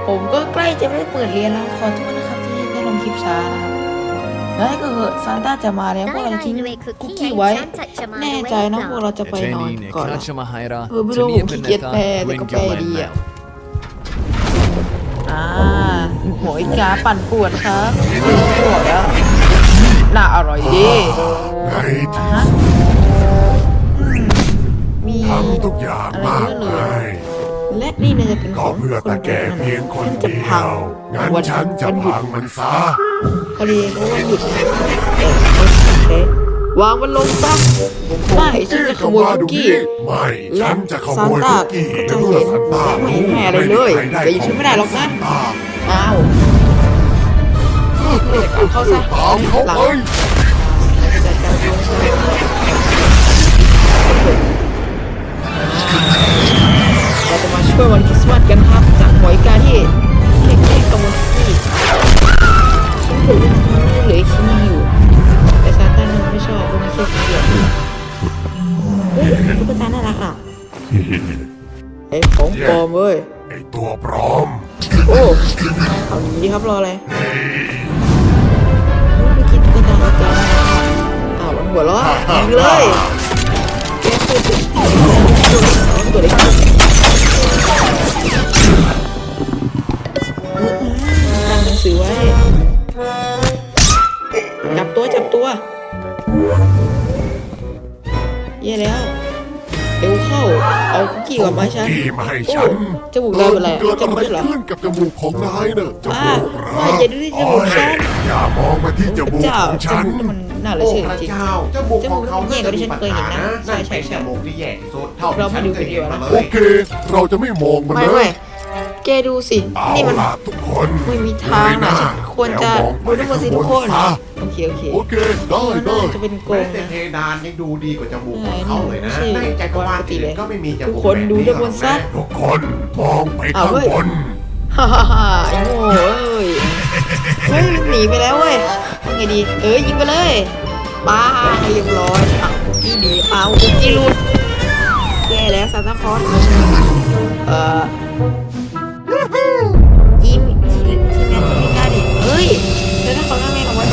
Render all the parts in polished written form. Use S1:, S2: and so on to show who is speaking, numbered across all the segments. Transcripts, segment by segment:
S1: ผมก็ใกล้จะไม่ได้เปิดเรียนแล้วขอโทษนะครับที่ได้ลงคลิปช้านะครับแล้วก็เหอะซานต้าจะมาแล้วพวกเราจะทิ้งคุกกี้ไว้แน่ใจนะพวกเราจะไปนอนก่อนนะไม่รู้ผมขี้เกียจแปลแต่ก็แปลดีอ่ะหมวยกาปั่นป่วนครับปวดแล้วน่าอร่อยดี
S2: ไง
S1: มี
S2: ทำทุกอย่าง
S1: อะไร
S2: มาก
S1: เยอะเล
S2: เลย
S1: ยและนี่เนี่ยจะเป็นข
S2: ก็
S1: อง
S2: เพื่อ
S1: คน
S2: ตาแก่เพียงคนเดียวงั้นฉันจะพังมันซะ
S1: พอดีเพราะว่าหยุดวางมันลงซะไม่ฉันจะขโมยคุกกี้
S2: ไม่ฉันจะข
S1: ซา
S2: โม
S1: น
S2: ย
S1: ต้า
S2: คุกกี้
S1: ก็จะ
S2: เมื่อ
S1: เห็น
S2: ซานต้า
S1: ไม่เห็นแม่อะไรเลยแต่อยู่ฉันไม่ได้หรอกนะอ้าวเข้าซะ
S2: ตามเขา
S1: หลัง
S2: ไป
S1: จัดการลงซะเราจะมาช่วยวันคริสต์มาสกันครับจากหมวยกาที่แค่ขโมยคุกกี้ชิ้นเหลือเหลือชิ้นนึงอยู่แต่ซานต้ามันไม่ชอบมันไม่ใช่ชิ้นเดียวเฮ้ยตุ๊กตาน่ารักอ่ะไอ้ของปลอมเว้ย
S2: ไอตัวปลอม
S1: โอ้เอาหนีดีครับรออะไรไม่กินตุ๊กตาอาจารย์มันหัวเราะยิงเลยแกพูดตัวเล็กตั้งหนังสือไว้จับตัวเย่แล้วเร็วเข้าเอาคุกกี้กับไม้ฉัน
S2: คุกกี้มาให้ฉัน
S1: จมูกเราเป็นไร
S2: เกิด
S1: จ
S2: อะ
S1: มูก
S2: ไร
S1: เหรอ
S2: ขึ้นกับจมูกของนายเนอะจมูก
S1: ไม่อย่าดูที่จมูกฉัน
S2: อย่ามองมาที่จมูก
S1: เจ้า
S2: ของ
S1: จ
S2: ฉัน
S1: มูกมันน่าเหลือ
S3: โอ้
S1: เชื่อ
S3: พระ
S1: จริง
S3: เจ้าจมูกของเขา
S1: จมูกแย่กว่าที่ฉันเคยเห็นนะ
S3: นั่น
S1: ใช่
S3: เป็น
S1: ใช่
S3: จมูกที่แย่ที่สุดเท่า
S1: เรา
S3: ที่
S1: ไม่
S3: ฉัน
S1: ดู
S3: เคย
S1: วิดี
S3: เห็
S1: โอน นะ
S3: มา
S2: โอ
S3: เลย
S2: เค เราจะไม่มองมัน
S1: ไม่
S2: นะ
S1: ไม่แกดูสิ
S2: เอา
S1: นี่มัน
S2: ล่ะทุกคน
S1: ไม่มีทางนะฉันควรจะดูทั้งหมดสิทุกคน
S2: ซะ
S1: โอเค
S2: โอเคได้ได้
S1: จะเป็นโก
S3: แม้
S1: ง
S3: แต่
S1: นะ
S3: เพดานยังดูดีกว่าจมูกของเขาเลยนะ
S1: ใช่
S3: ในจักรวาลอื่นก็ไม่มีจมูก
S1: ทุกคนดูด้านบนซะ
S2: ทุกคนมองไป
S1: เอา
S2: ข้าง
S1: เว้ย
S2: บน
S1: ฮ่าฮ่าฮ่าไอ้โง่เอ้ยเฮ้ยมันหนีไปแล้วเว้ยทำไงดียิงไปเลยป้าเรียบร้อยคุกกี้หนีคุกกี้หลุดแย่แล้วซานตาคลอสยิ้มทีแมนไม่กล้าดิเฮ้ยแล้วถ้าเขาหน้าแมนเอาไว้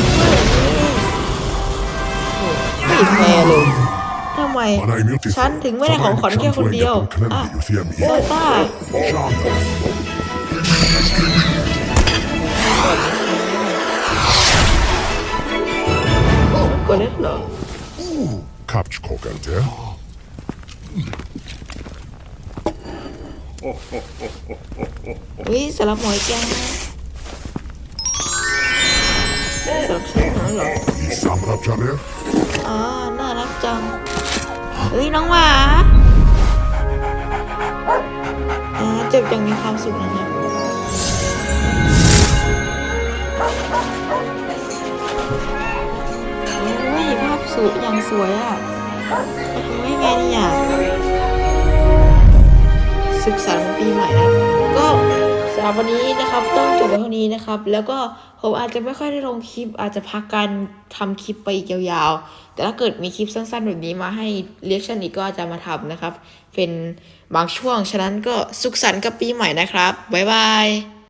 S1: ไม่แฟร์เลยทำไมฉันถึงไม่ได้ของขวัญแค่คนเดียวซานต้ากดเล่นเหรอ
S2: Kapçkokan der.
S1: สำหรับหมอยแกงสำหรับฉันเหรอ
S2: Samrap Caner.
S1: น่ารักจังน้องหมาจบอย่างมีความสุขนะครับภาพสุดอย่างสวยอ่ะทำยังไงเนี่ยสุขสันต์ปีใหม่นะก็สำหรับวันนี้นะครับต้องจบไว้เท่านี้นะครับแล้วก็ผมอาจจะไม่ค่อยได้ลงคลิปอาจจะพักการทำคลิปไปอีกยาวๆแต่ถ้าเกิดมีคลิปสั้นๆแบบนี้มาให้เรียกชันอีกก็จะมาทำนะครับเป็นบางช่วงฉะนั้นก็สุขสันต์กับปีใหม่นะครับบ๊ายบาย